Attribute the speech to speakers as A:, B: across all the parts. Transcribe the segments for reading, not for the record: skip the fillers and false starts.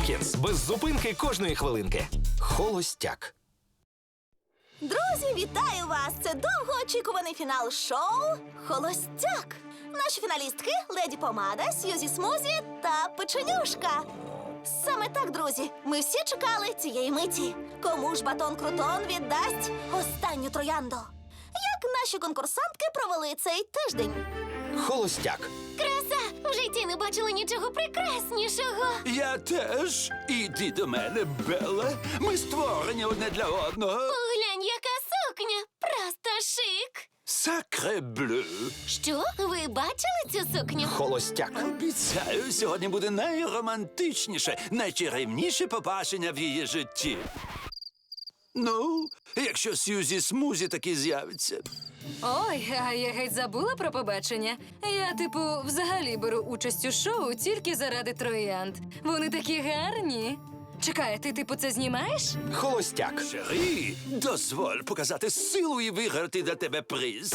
A: Мюнхенс. Без зупинки кожної хвилинки. Холостяк.
B: Друзі, вітаю вас! Це довгоочікуваний фінал шоу «Холостяк». Наші фіналістки – Леді Помада, Сьюзі Смузі та Печенюшка. Саме так, друзі, ми всі чекали цієї миті. Кому ж батон Крутон віддасть останню троянду? Як наші конкурсантки провели цей тиждень?
A: Холостяк.
C: Краса! В житті не бачила нічого прекраснішого.
D: Я теж. Іди до мене, Белла. Ми створені одне для одного.
C: Поглянь, яка сукня! Просто шик!
D: Сакре блю.
C: Що? Ви бачили цю сукню?
A: Холостяк.
D: Обіцяю, сьогодні буде найромантичніше, найчарівніше побачення в її житті. Ну, якщо Сьюзі Смузі таки з'явиться.
E: Ой, а я геть забула про побачення. Я, взагалі беру участь у шоу тільки заради троянд. Вони такі гарні. Чекай, ти, це знімаєш?
A: Холостяк.
D: Шері, дозволь показати силу і виграти для тебе приз.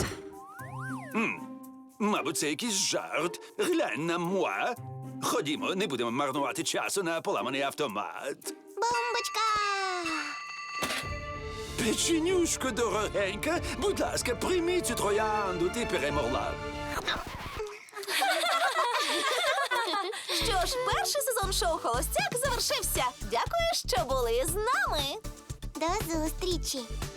D: Мабуть, це якийсь жарт. Глянь на муа. Ходімо, не будемо марнувати часу на поламаний автомат.
C: Бомбочка!
D: Печенюшко дорогенька, будь ласка, прийми цю троянду, ти перемогла.
B: Що ж, перший сезон шоу «Холостяк» завершився. Дякую, що були з нами.
C: До зустрічі!